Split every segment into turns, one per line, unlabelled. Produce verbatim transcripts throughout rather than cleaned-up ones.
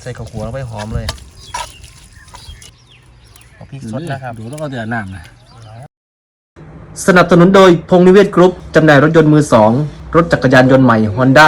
ใส่ข้าวคั่วลงไปหอมเลยเอาพริกสดนะครับ
ดูต้องเอาเดือดน้ำนะ
สนับสนุนโดยพงษ์นิเวศกรุ๊ปจำหน่ายรถยนต์มือสองรถจักรยานยนต์ใหม่ Honda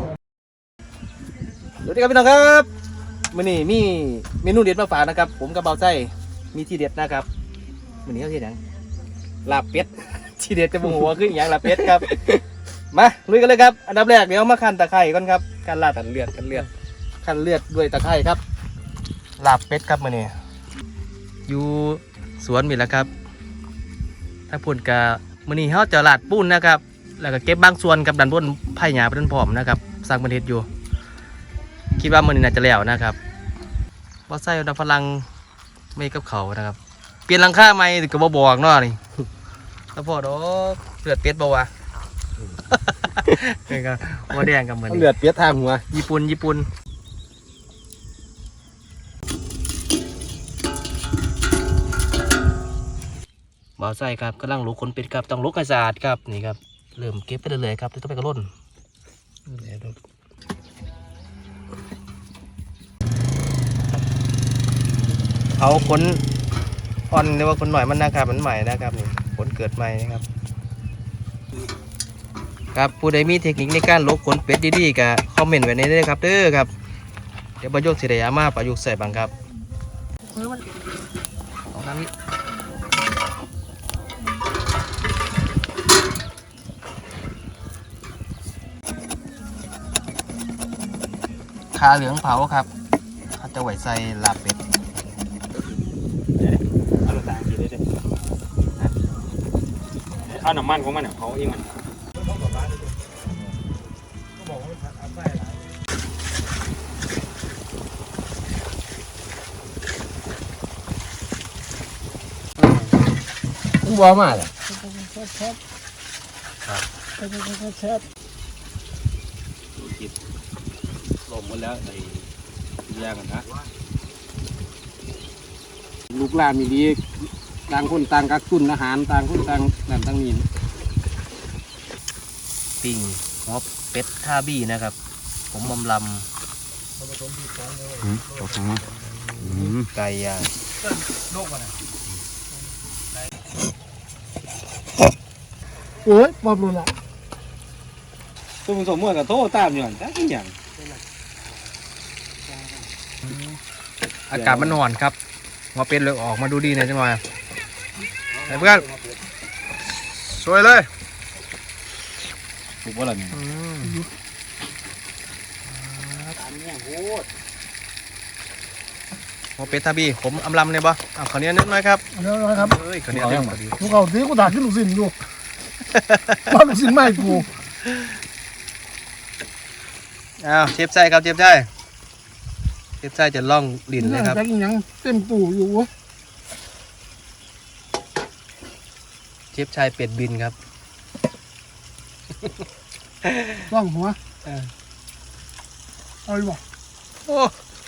สวัสดีครับพี่น้องครับมื้อนี้มีเมนูเด็ดมาฝากนะครับผมกับเบาไส้มีที่เด็ดนะครับมื้อนี้เขาเฮ็ดหยังลาบเป็ด ที่เด็ดจะบ่ฮู้ว่าคือหยังลาบเป็ดครับ มาลุยกันเลยครับอันดับแรกเดี๋ยวมาคั่นตะไคร้ก่อนครับการลาดกันเลือดกันเลือดคั่นเลือดด้วยตะไคร้ครับลาบเป็ดครับมื้อนี้อยู่สวนมีแล้วครับถ้าพูดกะมื้อนี้เฮาจะลาดปูนนะครับแล้วก็เก็บบางส่วนกับดันบนไผ่หญ้าเป็นพร้อมนะครับสร้างประเทศอยู่คิดว่ามื้อนี้น่าจะแล้วนะครับบ่ใส่ดอกฝรั่งไม่กับเขานะครับเปลี่ยนหลังคาใหม่ก็บ่บอกเนาะนี่ แล้วพอดอกเลือดเป็ดบ่วะ นี่ก็บ่แดงกับมื้อนี้
เลือดเปียกทางหัว
ญี่ปุ่นญี่ปุ่นบ่าวใส่ครับกำลังลุกขนเป็ดครับต้องลุกให้สะอาดครับนี่ครับเริ่มเก็บไปเรื่อยๆครับต้องไปกระล่นเอาขนอ่อนหรือว่าขนหน่อยมันนะครับมันใหม่นะครับนี่ขนเกิดใหม่นะครับครับผู้ใดมีเทคนิคในการลกขนเป็ดดีๆก็คอมเมนต์ไว้ในนี้เลยครับเด้อครับเดี๋ยวประยุกต์สิได้เอามาประยุกต์ใส่บ้างครับเอาน้ำนี้ขาเหลืองเผาครับเขาจะไว้ใส่ลาบเป็ด
เอาต่างกินได้เลยเอาน้ำมันของมันเนี่ยเขาเองมันกูบอกมาเลยแซ่บครับแซ่บดูจิตลมหมดแล้วในแยกกันนะลูกหลานมีดีต่างคนต่างกักตุนอาหารต่างคนต่างนั่นต่างนี่
ปิ้งหัวเป็ดท่าบี้นะครับผมมำลำไก่ย่าง
โอ้ยปอบเลยล่ะ
ตัวมันสมมติกับโทษตามอย่างแต่กินอย่าง
อากาศมันหอนครับหัวเป็ดเลยออกมาดูดีหน่อยจังหน่อยไอ้เพื่อนสวยเลย
ถูกว่าอะไร
หัวเป็ดท่าบี้ผมอำลำเนี่ยบ่เอาขอเนี้ยนิดหน่อยครับ
เดี๋ยวนะครับ
เฮ้ยขอเนี้ยนิดหน่อย
กูเขาทีกูด่าขึ้นลูกศิษย์อยู่บ้านลูกศิษย์ไม่กู
อ้าวเชฟใช่ครับเชฟใช่เชฟใช่จะล่องลิ้นเลยครับ
แจ็คยังเต็มตู้อยู่
เชฟชายเป็ดบินครับ
ล่องหัวเอาดิบ่
โอ้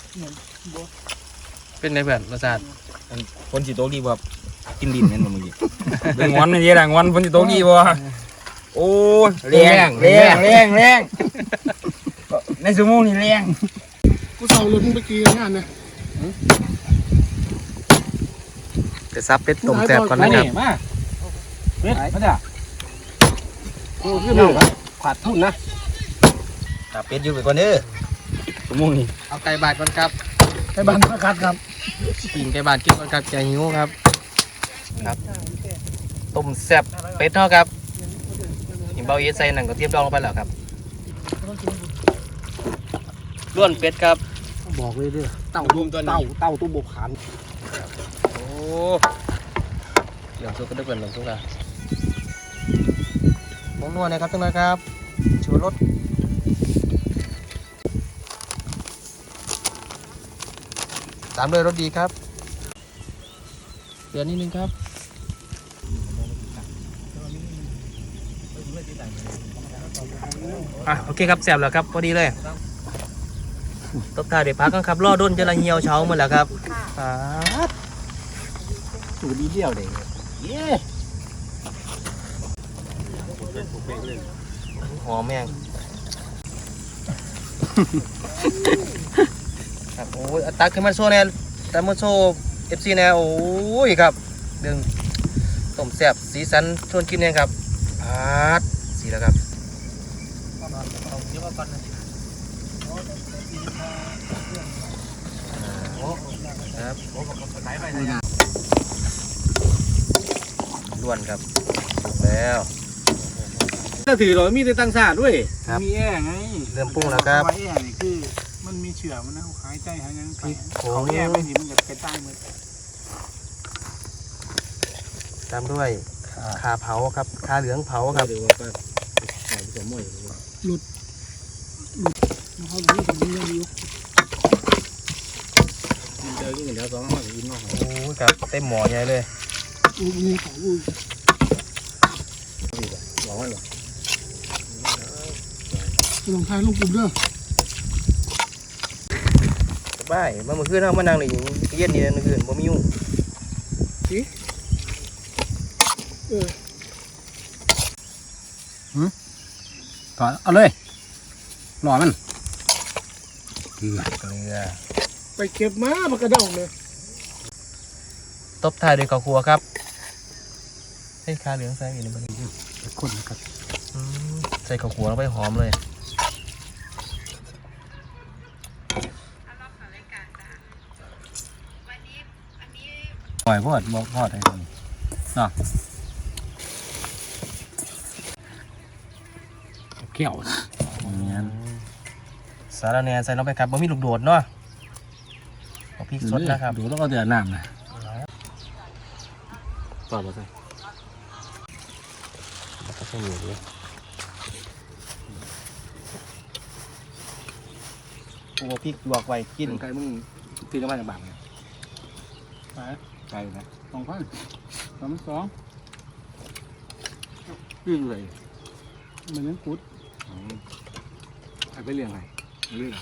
เป็นไงเพื่อนรสชาติ
คนสีโตกีแบบกินดินนั่นมึงดิเรื่องวันนี่เรื่องวันคนสีโตกีบ่โอ้แรงแรงแรงแรงในสมองนี่แรง
กูเศร้าเลยมึงไปกี่งานเนี่ย
จะซับเป็ดต้มแซ่บก่อนนะครับ
มาเป็ดมาจ้ะโอ้ขึ้นมาขาดทุนนะ
ตับเป็ดอยู่ไปก่อนเด้อ
สมองนี่
เอาไก่บาดก่อนครับ
ไก่บาดประกาศครับ
ปิ่งไก่บาดกินก่อนครับใจหิวครับครับต้มแซ่บเป็ดเนาะครับหิมเบาเอสใส่หนังกระเทียมดองลงไปแล้วครับล้วนเป็ดครับ
บอกเลยด้วยเต่าดวงตัวเต่าเต่าตัวบกขัน
โอ้เหลืองสุกก็ได้เป็นเหลืองสุกแล้วผงนัวนะครับทุกท่านครับชูรสตามด้วยรสดีครับเปลี่ยนนิดนึงครับอ่ะโอเคครับแซ่บแล้วครับพอดีเลยตบท้ายเดี๋ยวพักกันครับรอด้นจะละเหี่ยวเช้าหมดแล้วครับ
สูดีเดียวเลยเย้
หอมแม่งครับโอ้ยตักขึ้นมาโซ่แน่ตักมาโซ่เอฟซีแน่โอ้ยครับเรื่องต้มแซ่บสีสันชวนกินเนี่ยครับอาดสีแล้วครับเอาเยอะกว่ากันนะครับล้วนครับแล้วถ้าถือเรามีแต่ตั้งศาสตร์ด้วยครับ
มีแอร์ไง
เริ่มปรุงแล้วครับ
แอร์นี่คือมันมีเชื้อมันนะหายใจหายงั้นไป
โอ้
เขาแอร์ไม่ดีมันจะไปใต้มือ
ตามด้วยขาเผาครับขาเหลืองเผาครับ
เขาหลีถึงมีเรื่องอยู่
เจอที่เดี๋ยวสองห้องกินเนาะ
โอ้ยครับเต็มหม้อใหญ่เลย
อู้มีของอู้
บอกว่าหรอ
ลงท้ายลูกกลุ่มเด้อ
สบายมาเมื่อคืนเรามานั่งนี่เย็นนี่เมื่อคืนบ่มียุ่ง
เออ
ถอดเอาเลยรอมันเกลือ
เกลือ
ไปเก็บมาปากกระดองเลย
ตบท้ายด้วยข้าวคั่วครับให้ขาเหลืองใส่อีกนิดนึง
คนนะครับ
อืมใส่ข้าวคั่วลงไปหอมเลย
ปล่อยพอดบอกพอดอะไรนี่เนาะเกี่ยวอย่างเงี้ย
สาระแหน่ใส่ลงไปครับบ่มีลูกโดดเนาะเอาพริกสดนะครับ
ดูแล้วก็เดือดน้ำนะต่อมาใส่
ก็ใส่หมูด้วย โอ้พริกลวกไว้กิน
ไก่มึงตีกันมาจากบางเนี่ย
ไป
ไก่นะ
สองพันสามสอง
ยื่นเลย
เหมือนนั้นกุด
ไก่ไปเลี้ยงไงเลี้ยง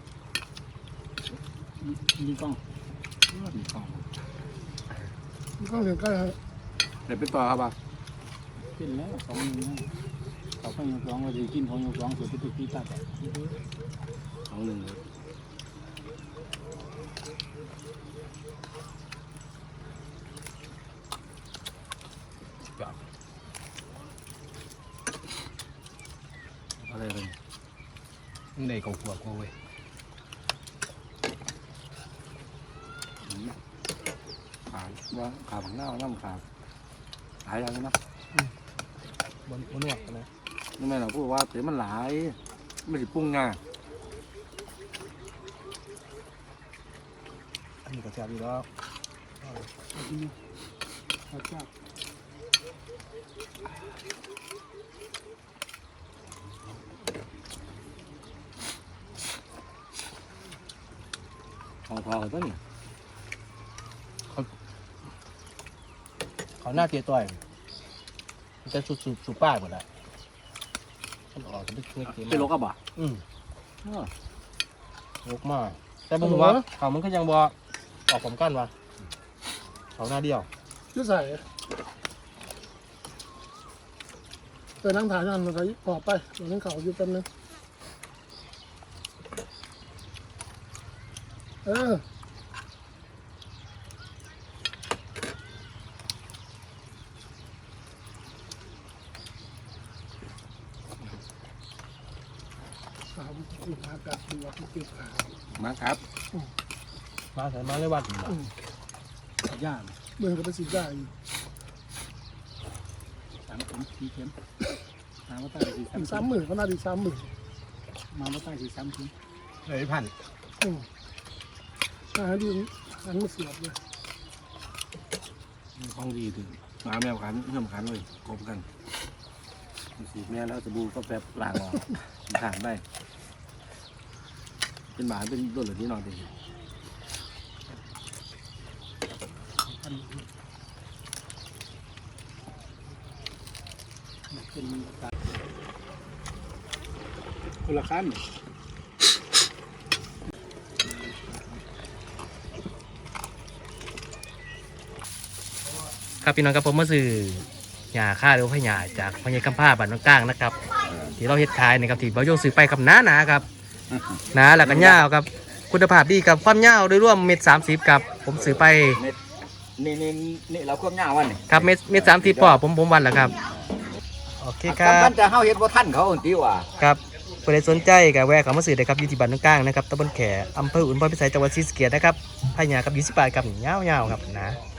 มีกล้อง
มีกอง
มีกล้องเสียงใกล้
เดี๋ยวไปต่อครับบ่า
กินแล้วสองมือเขาไปยกร้องว่าจะกินของยกร้องเสือไปตุกที่ตัด
สองหนึ่งเลยอะไรเลยนี่ในกองขวบกูเว้ยขาว่าขาผังหน้าน้ำขาหลายอย่างนะ
บนบนนวดนะ
นี่แม่เราพูดว่าเต๋มันหลายไม่ได้ปรุงง่าย
อันนี้ก็แซ่บอยู่แล้ว
เขาจับ
ของพอตัวนี้
เขาหน้าเตี้ยต่อยมันจะสุดสุดสุดป้าหมดละมันออกจะไปเค็ม
ไปลกกับบ่
อืมลกมากแต่ผมว่าเขามันก็ยังบอออกผมกันวะเขาหน้าเดียว
ยืดใส่เติมน้ำถ่ายนั่นมันก็ปอบไปเดี๋ยวนั้นเขาอยู่แป๊บนึงเออสามสิบห้ากับดูว่าที่ติดขา
มาครับ
มาใส่มาเลยวัด
ย่าง
เบิ่งก็ไปสิได้อยู่
สามเข็มสี่เข็มมาว่าใต้สี่
อีกสามหมื่นก็น่าดีสามหมื่น
มาว่าใต้สี่สามเข็ม
เลยพัน
อืมอ่าดูหันมาเสียบเลย
ของดีถึงมาแมวขันเพิ่มขันเลยกลมกันสีแม่แล้วจะบูก็แบบล้างออกถางได้เป็นหมาเป็นตัวเหลือที่นอนดี
เป็นคนละขั้น
ครับพี่น้องครับผมมาซื้อหญ้าค่าหรือว่าหญ้าจากพญาคัมภาบ้านน้องก้างนะครับที่เราเฮ็ดขายนะครับที่บ่าวโยงซื้อไปกับน้าหนาครับหนาแล้วก็ยาวครับคุณภาพดีกับความยาวโดยรวมเม็ดสามสิบครับผมซื้อไป
นี่นี่นี่เราควบหน้าวันนี่
ครับเม็ดเม็ดสามสิบพอผมผมวันแล้วครับโอเคครั
มั
บ
นจะเฮาเฮ็ดบ่ทันเขาติว่า
ครับใครสนใจกับแวะเข้ามาซื้อได้ครับอยู่ที่บ้านกลางนะครับตำบลแขอำเภออุบลพิสัยจังหวัดศรีสะเกษนะครับพายากับยี่สิบบาทครับยาวๆครับนะ